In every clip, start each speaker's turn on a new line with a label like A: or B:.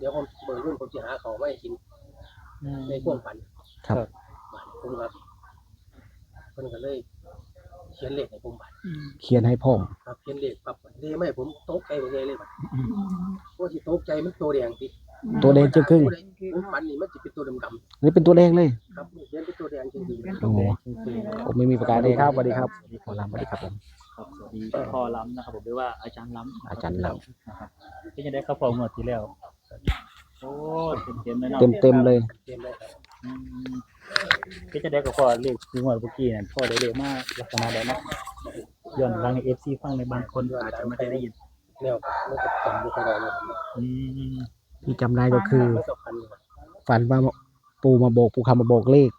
A: เดี๋ยวผมเบิ่งรุ่นผมจะหาของไม่กินในพวกฝัน
B: ครับ
A: ผมครับเพิ่นก็เลยเขียนเลขให้ผมบัด
B: เขียนให้พ่อ
A: ครับเขียนเลขปั๊บเลขไม่ผมตกใจไปเลยบัดเพราะที่ตกใจมันตัวแดงติ
B: ตัวแดงจึงครึ่ง
A: ผมฝันนี่มันสิเป็นตัวดำ
B: นี่เป็นตัวแดงเลย
A: ๆครับเขียนเป็นตัวแดงจริง
B: โอ้ผมไม่มีประกาศเลยครับสวัสดีครับหมอลำสวัสดีครับผม
C: ครับสวัสดีพ่อล้ำนะครับผมเรียกว่าอาจารย์ล้ำ
B: อาจารย์ล
C: นะครับที่จะได้เข้าพอหมดที่แล้วโอ้เต็มเลยเนาะ
B: เต็มเลย
A: ๆเขียนได้ครับ
C: อืมที่จะได้กับพ่อเลขที่งวดเมื่อกี้นั่นพ่อได้เลขมากลักษณะใดเนาะย้อนฟังใน FC ฟังในบางคนอาจจะไม่ได้ยิน
A: แนวมันก็จำบ่ค่อยได้เลย
C: อืม
B: ที่จำได้ก็คือ
A: มันก็พันอยู่
B: ฝันว่าปูมาโบกปูคำมาโบกเลข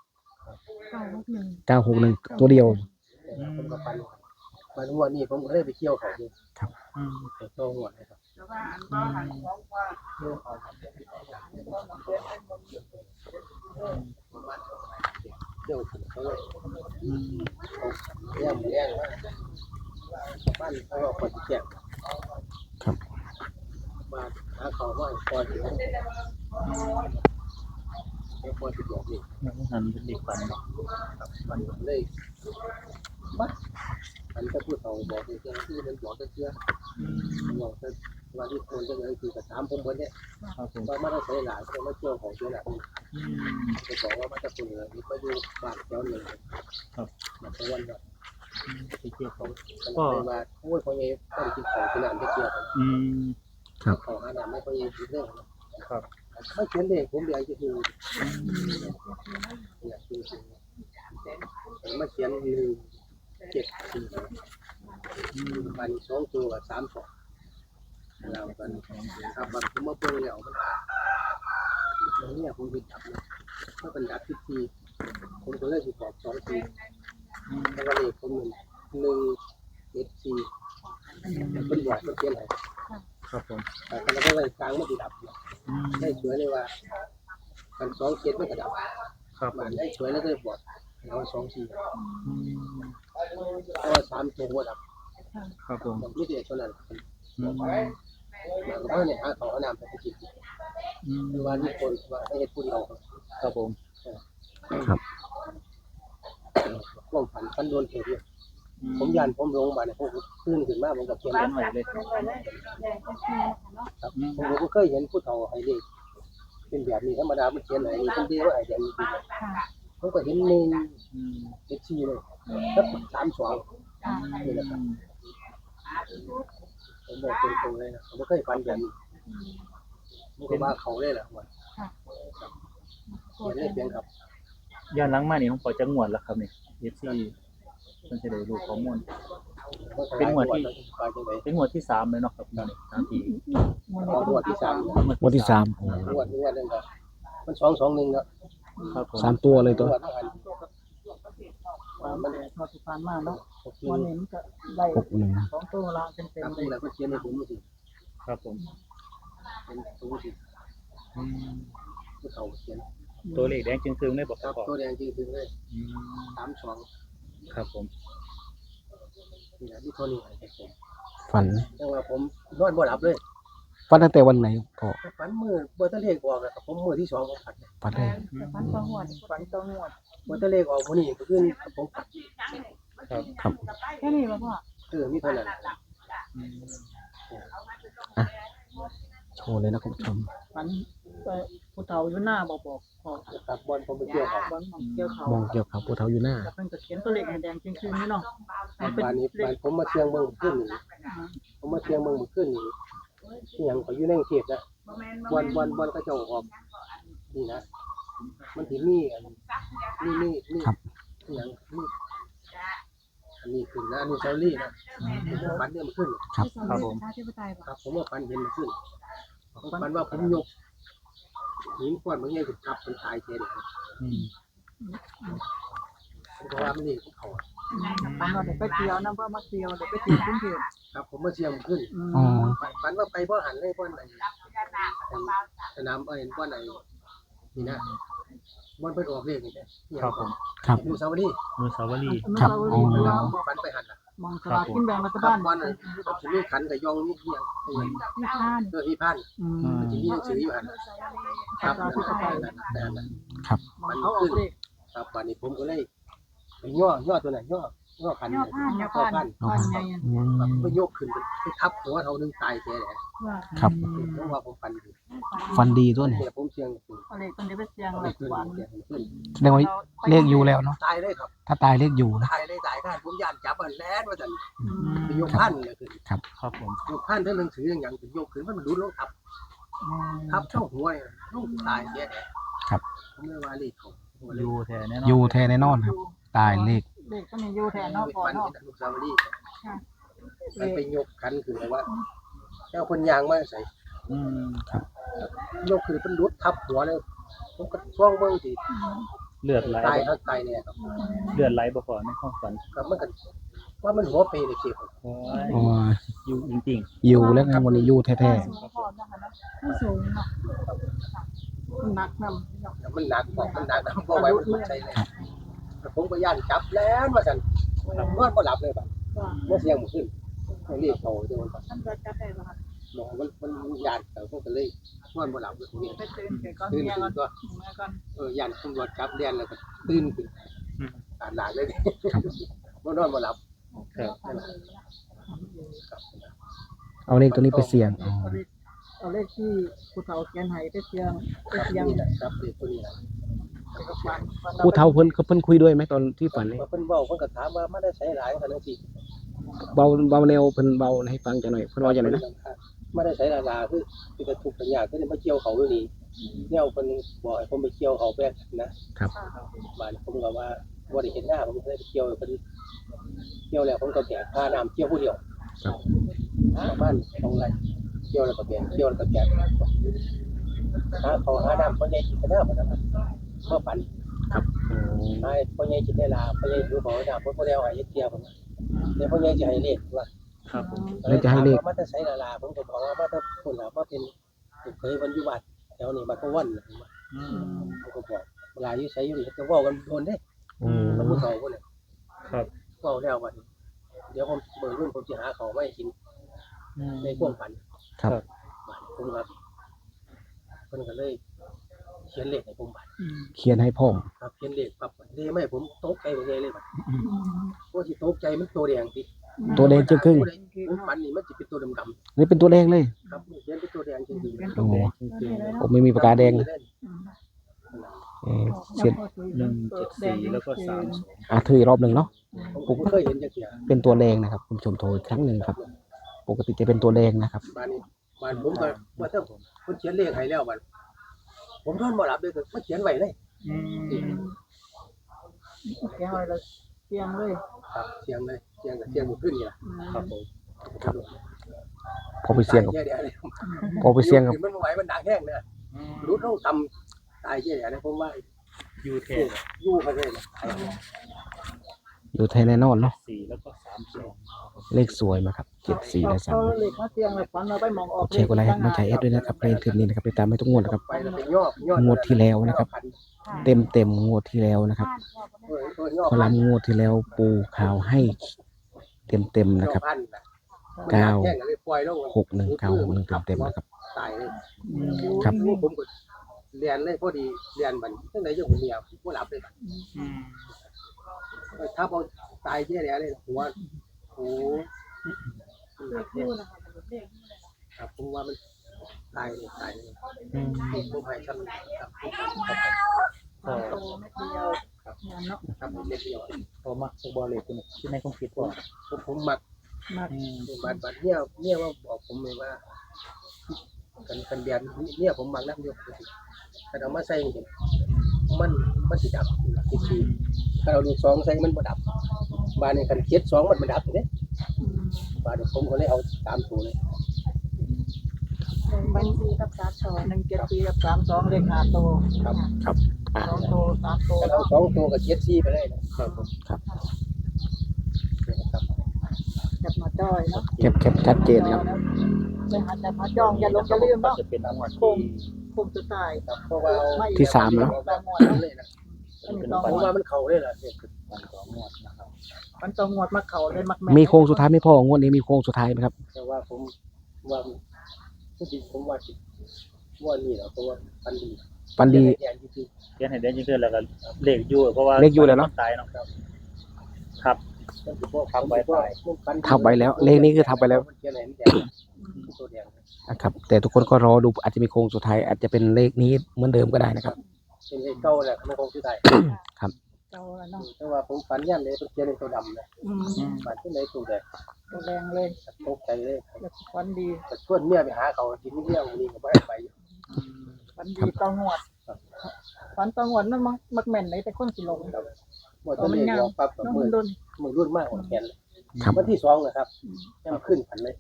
B: 961 ตัวเดียว
A: ผมก็พันงวดนี้ผมก็เลยไปเที่ยวเขาอยู่
C: อืม
A: ไปโตงวดนะครับเที่ยวถึงเขาเลย
C: อืม
A: เลี้ยงว่าบ้านเขาเอาคนที่แก่
B: ครับ
A: มาหาเขาว่าพอถึงพอถึงบอกนี่
C: นั่นเป็นเด็กฝันเนาะ
A: มันเลยบัดมันก็พูดเอาบอกเจ้าที่มันบอกเชื่อบอกว่าที่คนจะเลยคือกระถามผมคนเนี้ย
C: ครับผม
A: ว่ามาได้ใช้หลายคนมาเที่ยวของเชื่อหลาย
C: อืม
A: จะบอกว่ามาจากคนเหนือนี่ก็อยู่บ้านแถวเหนือมันก็วันแบบ
C: ไปเที่ยวเขา
A: มันเลยว่าโอ้ยเขาเองต้องกินของที่นั่นไปเที่ยว
C: อืม
A: ของอาหารไม่เขาเองกินเรื่องครับไม่เขียนเลขผมอยากจะคืออยากคือมาเขียน174มัน2ตัวกับ32เรากันครับแบบผมมาเบิ่งแล้วมันเนี่ยผมไปจับนะถ้าเป็นดับที่ผมก็เลยสิบอก2ทีแล้วก็เลขผม174เป็นบอกเขียนให้
C: ครับผม
A: แต่ก็ไม่ได้กลางไม่ติดดับ
C: อืม
A: ได้สวยเลยว่ากัน2 7ไม่กระดับ
C: ครับผ
A: มัน
C: ม
A: ได้สวยแล้วก็บอกแล้ว2 4
C: อืม
A: เพราะว่า3ตัวดับ
C: ครับผม
A: ผมไม่ได้เท่านั้น
C: อืม
A: มันก็เนี่ยหาเขาเอาน้ำไปกิน
C: อืม
A: หรือว่ามีคนว่าให้เฮ็ดผู้เดียว
C: ครับผม
B: ครับ
A: ความฝันโดนเถิดเนี่ยผมยันผมลงมาเนี่ยผมตื่นขึ้นมาผมก็เขียน
C: ฝันไหวเลย
A: ครับผมก็เคยเห็นผู้เฒ่าให้เลขเป็นแบบนี้ธรรมดามันเขียนให้นี่เป็นเดียวให้แบบนี้ผมก็เห็น
C: อืม
A: 174เลยแล้ว32นี่แหละครับผมบอกตรงๆเลยนะผมไม่เคยฝันแบบนี้มันก็ว่าเขาเลยแหละว่าเขียนเลขเพียงครับ
C: ย้อนหลังมานี่ผมพอจะงวดแล้วครับนี่ FC มันจะได้รู้ข้อมูล เป็นหมวดที่ เป็นงวดที่3เลยเนาะครับนี่3ที
A: หมวดที่3
B: วันที่3
A: หมวดนึงก็มัน221ครับ
C: ครับผม
B: 3 ตัวเลยตัว
A: หมวดนั้น
D: มันพอสุพรรณมากเนาะ
A: โอเค
D: วันนี้มันก็ได้
B: 61
D: 2 ตัวละเต็ม
A: ครับ
D: ๆเลย
A: แล้วก็เขียนให้ผมสิ
C: ครับผม
A: เป็นตัวสิ
C: อืม
A: ผู้เฒ่าเขียน
C: ตัวเลขแดงจึงครึ่งได้บอก
A: ครับ
C: พ่อ
A: ตัวแดงจริงๆเลย
C: อืม
A: 32
C: ครับผม
A: นี่แหละที่เท่านี้ให้ผม
B: ฝัน
A: แต่ว่าผมนอนบ่หลับเลย
B: ฝันตั้งแต่วันไหนพ่อ
A: ฝันมื้อบ่ทันเลขออกอะครับผมมื้อที่2ผมฝัน
B: ฝันได้
D: แต่ฟันตัวหวดฟันตัวหวด
A: บ่ทันเลขออกมื้อนี้ก็คือผมฝัน
C: ครับ
B: ครับ
D: แค่นี้ป่ะพ่อ
A: มีเท่านั้น
C: อืม
B: โชว์เลยนะคุณผู้ชม
D: ฟันไปผู้เฒ่าอยู่หน้าบอกพ่อ
A: ครับบอลผมไปเที่ยวครับ
D: บอลของเกี่ยวเขา
B: มองเกี่ยวกับผู้เฒ่าอยู่หน้า
D: แล้วเพิ่นก็เขียนตัวเลขให้แดงจริงๆนี่เนาะมันเป็น
A: บ้านนี้
D: เล
A: บ้าน
D: ข
A: ผมมาเชียงเมืองขึ้นนี่ผมมาเชียงเมืองขึ้นนี่ที่หยังเขาอยู่ในกรุงเทพนะวันก็เจ้าออกนี่นะมันสิมีอันนี่ที่หยังนี่อันนี้ขึ้นนะอันนี้เซาลี่นะผมฝันเนี่ยมันขึ้น
B: ครับ
C: ครับผม
D: ชาธิปไตยป่ะ
A: ครับผมว่าฝันเห็นมันขึ้นผมฝันว่าผมยกหินก้อนบางอย่างถูกทับมันตายเสียเลย
C: อืม
A: ผมก็ว่ามันนี่เขา
D: ฟันว่าเดี๋ยวไปเที่ยวนะเพื่อมาเที่ยวเดี๋ยวไปเที่ยวกรุงเทพ
A: ครับผมมาเชียงมันขึ้น
B: อ๋อ
A: ฝันว่าไปบ่หันเลยบ่ไหนสนามเห็นบ่ไหนนี่นะบ่เพิ่นออกเลขนี่นะครับ
C: ผม
B: ครับ
A: อยู่สาวรี
C: มือสาวรีย์
B: ครับ
D: อนุสาว
B: อ๋อ
D: รีย์เนาะ
A: ฝันไปหันน่ะ
D: มองสลากกินแบ่งรัฐ
A: ครั
D: บา
A: บ
D: ล
A: วันนั้นสิมีขันกับยองนี่ยัง
D: ที่ข้าน
A: ที่พัน
D: อืม
A: ที่มีหนังสืออยู่หั่นครับครับ
D: มองเขาออกเลข
A: ครับวันนี้ผมก็เลยไปย่อตัวนั้นย่อขัน
D: ย่อผ่านผ่านไง
A: ไปยกขึ้นไปทับหัวเท่านึงตายแท้แหละ
B: ครับ
A: เพราะว่าผมฟันอยู่
B: ฟันดีตัวนี้
A: แต่ผมเสียง
D: เอาเลขคนเดียวไปเสียง
A: อะ
D: เล
A: ไร
D: ข
A: ขึ้น
D: หวาน
A: เสียงขึ้น
B: แสดงว่าเลขอยู่แล้วเนาะ
A: ตายเลยครับ
B: ถ้าตายเลขอยู่นะ
A: ตายเลยตายได้ผมย่านจับอันแลนว่าจันไปยกพันเลยขึ้น
C: ครับผม
A: ยกพันทั้งหนังสืออย่างถึงยกขึ้นมันรุดลงทับเท่าหัวลูกตายแท้ผมเลยว่าเลขเขา
C: อยู่แท้แน่นอน
B: อยู่แท้แน่นอนครับ ตายเลข
D: เลขก็มีอยู่แทนเนาะพอ
A: ฟัน
D: เนาะ
A: ลูกสาวดีมันไปยกขันขึ้นเลยว่าเจ้าคนยางมาใส่
C: อืม
A: ยกขึ้นเป็นรุดทับหัวเลยผมก็ช่วงเบิ่งสิ
C: เลือดไหล
A: ตายทั้งตายเนี่ยครับ
C: เลือดไหลบ่พอในความฝัน
A: ก็มันก็ว่ามันหัวเปย์เลยสิครับ
C: โอ้ย
B: อ๋อ
C: อยู่จริง
B: อยู่แล้วไงวันนี้อยู่แท้
D: สูงพอนะคะเนาะไม่สูงเนาะหนักนำ
A: มันหนักบอกมันหนักนะบ่ไหวมันใช่เลยผมก็ย่านจับแล้วว่าซั่นนอนบ่หลับเลยบัดบ่เสียงบ่ขึ้นเรียกเขาจังว่า
D: ท่านจะจับได้บ่คะ
A: บอกมันย่านเขาก็เลยนอนบ่หลับเลยเนี่ย
D: ไปตื่นไปก่อน
A: ตื่น
D: เมีย
A: ขึ้
D: ก่อน
A: นก็
D: เมียก่อน
A: ย่านตำรวจจับเรียนแล้วก็ตื่นขึ้นอ่านหลานเลยบ่นอนบ่หลับ
B: เอาเลขตัวนี้ไปเสี่ยงอ๋อ
D: เอาเลขที่ผู้เฒ่าเขียนให้ไปเสียงไป
A: ครับ
D: เสียง
A: นี่แหละครับเลขตัวนี้แหละ
B: ผู้เฒ่าเพิ่นคุยด้วยไหมตอนที่ฝันนี่
A: เพิ่นเว้าเพิ่นก็ถามว่ามาได้ใช้หลายขนาดสิ
B: เบาแนวเพิ่นเบาให้ฟังจังหน่อยเพิ่นว่าจังได๋นะ
A: มาได้ใช้ลาคือกระทุกข์กันยากก็ได้มาเกี่ยวเขาอยู่นี่แนวเพิ่นบอกให้ผมไปเกี่ยวเขาแป๊กนะครับ บ้านผมก็ว่าบ่ได้เห็นหน้าผมเลยไปเกี่ยวเพิ่นเกี่ยวแล้วผมก็แบกพาน้ำเกี่ยวผู้เดียว
B: ครับ
A: ประมาณ2ไร่เกี่ยวแล้วก็แบกเกี่ยวแล้วก็แบกหาเขาหาน้ำพ่อใหญ่กินกันหน้าบ่นะครับเมื่อฝัน ให้พ่อใหญ่กินได้ลาพ่อใหญ่ดูของน้ำเพิ่นบ่ได้เอาให้เกี่ยวผมเดี๋ยวพ่อใหญ่จะให้เลขว่า
C: ครับผม
B: แล้วจะให้เลข
A: มาแต่ใช้ลาผมก็บอกว่ามาแต่คนละมาเป็นเคยวันอยู่บ้านแถวนี้บ้านพวัน
C: อืม
A: ผมก็บอกเวลาอยู่ใช้อยู่นี่ก็เว้ากันโดนเด้
B: อืม
A: มันผู้เฒ่าพุ่นน่ะ
C: ครับ
A: เว้าแล้วบัดนี้เดี๋ยวผมเบิ่งรุ่นผมสิหาข้าวมาให้กิน
C: อืม
A: ในความฝัน
B: ครับ
A: บัดผมก็เพิ่นก็เลยเขียนเลขให้ผมบัด
B: เขียนให้พ่อม
A: ครับเขียนเลขปั๊บเด้ไม่ผมตกใจบ่ใหญ่เลยบัดว่าสิตกใจมันตัวแดงติ
B: ตัวแดงจึงครึ่ง
A: ผมฝันนี่มันสิเป็นตัวดำ
B: นี่เป็นตัวแดงเลย
A: ๆครับเขียนเป็นตัวแดงจริงๆ
B: โอ้
C: จริงๆ
B: ผมไม่มีปากกาแดงเลยเขียน
C: 174แล้วก็32
B: ถืออีกรอบหนึ่งเนาะ
A: ผมเคยเห็นจักเที่ย
B: เป็นตัวแดงนะครับคุณผู้ชมโทรอีกครั้งหนึ่งครับ ปกติจะเป็นตัวแดงนะครับ
A: บ้านนี้บ้านผมก็ว่าถ้าผมเขียนเลขให้แล้วบัดผมนอนบ่หลับเลยก็มาเขียนไว้เลย
C: อืม
D: แกเอาเลยเสียงเลย
A: ครับเสียงเลยเสียงกับเสียงบ่ขึ้นนี่ล่ะ
C: ครับผม
B: ครับ พอไปเสี่ยงกับ
A: ตาแค่เดียวเลย
B: พอไปเสี่ยงกับ
A: มันบ่ไหวมันดังแห้งเนี่ยรุดลงต่ำตายแค่เดียวเลยผมว่า
C: อยู่แท้
A: อยู่เขาเลยนะ
B: อยู่ไทยแน่นอนเนาะ
C: 4แล้วก็32
B: เลขสวยมาครับ74และ
D: เขาเลขมาเสียงเลยฝันเราไปมองออก
B: 3กดแชร์กดไลค์ให้กำลังใจเอสด้วยนะครับในคลิปนี้นะครับติดตามให้ทุกงวดนะครับ
A: ไปแล้วไปย่อ
B: งวดที่แล้วนะครับ เต็มงวดที่แล้วนะครับพลังงวดที่แล้วปูข่าวให้เต็มนะครับ 6191เต็มนะครับ
A: ตายเลย
B: ครับ
A: ผมก็เรียนเลยพอดีเรียนบัดจังได๋อยู่ผมเมียผมบ่หลับเลยบัด
C: อืม
A: ถ้าเอาตายแค่เดียวเลยหัวโอ้ครับผมว่ามันตายเลยตายเลย
C: อืม
A: ผมให้ชั้นครับ
C: พอ
A: ครับครับเล็กเดียว
C: พอมักบ่เลยตัวนี้ที่ในความคิดว่า
A: ผมมัก
C: อืม
A: บัดเนี่ยว่าบอกผมเลยว่ากันเดียนเนี่ยผมมักนักเดียวกันเอามาใส่มันสิดับคิดสิถ้าเราดู2ใส่มันบ่ดับบ้านนี้คันเขียน2มันบ่ดับเด้บ้านนี้ผมก็เลยเอา3ตัวเลย
D: บัญชีกับ174กับ32เลข5ตัว
A: ครับ
B: ครับ
D: 2ตัว3ตัว
A: ถ้าเอา2ตัวก็เขียน4ไปเลยนะครับ
C: ผม
A: ครับ
D: จับมาจ้อยเนาะ
B: แคปชัดเจนครับ
D: ไปหาจับมาจ้องอย่าลงอย่าลืมเนาะ
C: จะเป็นงวด
D: คงสุดท้าย
A: ครับเพราะว่า
B: ที่3แล้ว
A: เลยนะ
D: อันนี้
A: ผมว่ามันเข้าเลยล่ะเนี่ย
C: ฟันต่องวดนะครับ
D: มันต้องงวดมาเขาเลยมักแม่
B: มีโค้งสุดท้ายไหม่พองวดนี้มีโค้งสุดท้ายไหมครับ
A: แต่ว่าผมว่าผู้จริงผมว่าสิว่านี่แหละเพราะว่าปันดี
B: ฟันดี
A: แอนที่คือ
C: เขียนให้ได้ยิ่งขึ้นแล้วก็เลขอยู่เพราะว่า
B: เลขอยู่แล้วเนาะ
C: ตายเนาะครับ
A: มันคือพวก
C: ทับไว้ตาย
B: ทับไว้แล้วเลขนี้คือทับไว้แล้ว
A: มันเขียนอะไรมันแดงตัวแดง
B: นะครับแต่ทุกคนก็รอดูอาจจะมีโค้งสุดท้ายอาจจะเป็นเลขนี้เหมือนเดิมก็ได้นะครับ
A: เป็นไอ้เก้าแหละไม่คงชื่อไทย
D: เจ้าละเนาะ
A: แต่ว่าผมฝันยันเลยเป็นเขียนในตัวดำนะ ฝันที่ไหนตัวแดง
D: ตัวแดงเลย
A: ตกใจเลย
D: แล้วฟันดี
A: แต่ชวนเมียไปหาเขากินนี่เรื่องนี้ก็ไม่ได้ไป
D: ฟันดีต้องงวดฟันต้องงวดมันมักแม่นไหนแต่คนสิลง
A: หมดตัวเลขลองปั๊บกับ
D: น้อง
A: มื
D: มั
A: อน
D: โดน
A: มือรุ่นมากกว่าแขนเลย
B: ครับ
A: วันที่2นะครับยังขึ้นผันเลย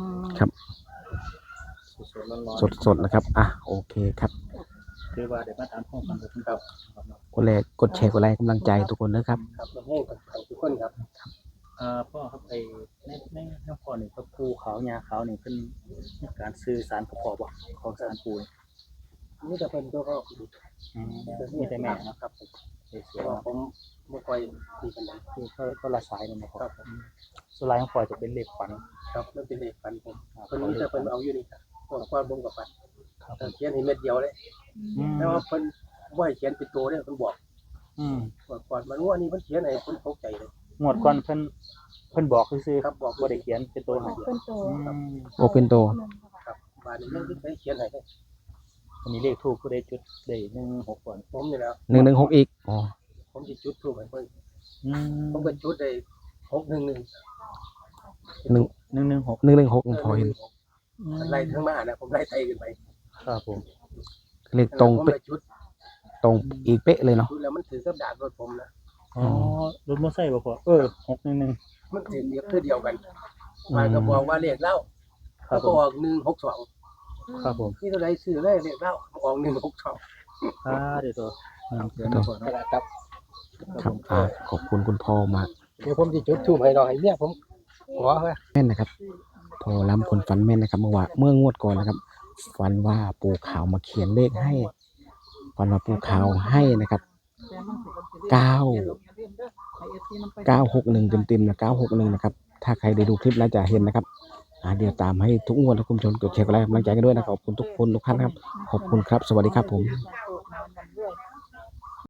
C: สดๆร้อนๆ
B: สดๆนะครับอ่ะโอเคครับ
C: คือว่าเดี๋ยวมาถามข้อความกับคุณครับ
B: กดไลค์กดแชร์กดไลค์กำลังใจทุกคนนะครับ
A: ครับเราให้กับทุกคนครับ
C: พ่อครับในพ่อนี่พระปูขาวยาขาวนี่เป็นการสื่อสารกับพ่อบ่ของสารปูนี่
A: นี่จะเป็นตัวก็
C: มีแต่แม่เนาะ
A: ครับ
C: เสีย
A: เพราะผมไม่ค่อยดีกันเลย
C: คือก็ละสายนี่นะครับส่วนลายของพ่อจะเป็นเลขฝัน
A: ครับนั่นเป็นเลขฟันผมคนนี้จะเป็นเอาอยู่นี่ครับตัวความบงกับฟัน
C: ครับ
A: เขียนให้เม็ดเดียวเลยแต่ว่าเพิ่นบ่ให้เขียนเป็นตัวเนี่ยเพิ่นบอกก่อนมันว่านี่เพิ่นเขียนให้เพิ่นตกใจเลย
C: งวดก่อนเพิ่นบอกซื่อ
A: ครับบอก
C: บ่ได้เขียนเป็นตัวให้
D: เป็นตัว
B: โอเป็นโต
A: ครับบ้านนี้ยังได้เขียนให้เลย
C: อันนี้เลขทูปผู้ใดจุดได้16ก่อน
A: ผมนี่แหล้ว
B: 116อีกอ๋อ
A: ผมสิจุดทูปให้เพิ่นผมก็จุดได้611
C: 116
B: 116พอเห็น
A: ไล่ทั้งมานะผมไล่ไตขึ้นไป
C: ครับผม
B: เลขตรง
A: ผม
B: เป๊ะ
A: ไปจุด
B: ตรงอีกเป๊ะเลยเนาะ
A: จุดแล้วมันถือกับดาบรถผมนะ
C: อ๋อรถมอเตอร์ไซค์บ่พ่อ611
A: มันถือเดียวกันมันก็บอกว่าเลขเล่า
C: ครั
A: แล้
C: บ
A: ว
C: ผ
A: ก็
C: ม
A: ออก162
C: ครับผม
A: นี่เท่าไหร่ซื้อเลยเลขเล่าออก162
C: เดี๋ยวตัวเดี๋ยวมาก่อนเนาะ
A: ครับ
B: ครับขอบคุณคุณพ่อมาก
A: เดี๋ยวผมสิจุดทูปให้ดอกให้เนี่ยผมขอว่า
B: แม่นนะครับพอล้ำคนฝันแม่นนะครับเมื่องวดก่อนนะครับฝันว่าปู่ขาวมาเขียนเลขให้ฝันว่าปู่ขาวให้นะครับ961เต็มๆนะ961นะครับถ้าใครได้ดูคลิปแล้วจะเห็นนะครับเดี๋ยวตามให้ทุกงวดทุกคุณผู้ชมกดแชร์กดไลค์กำลังใจกันด้วยนะครับขอบคุณทุกคนทุกท่านครับขอบคุณครับสวัสดีครับผม
D: ม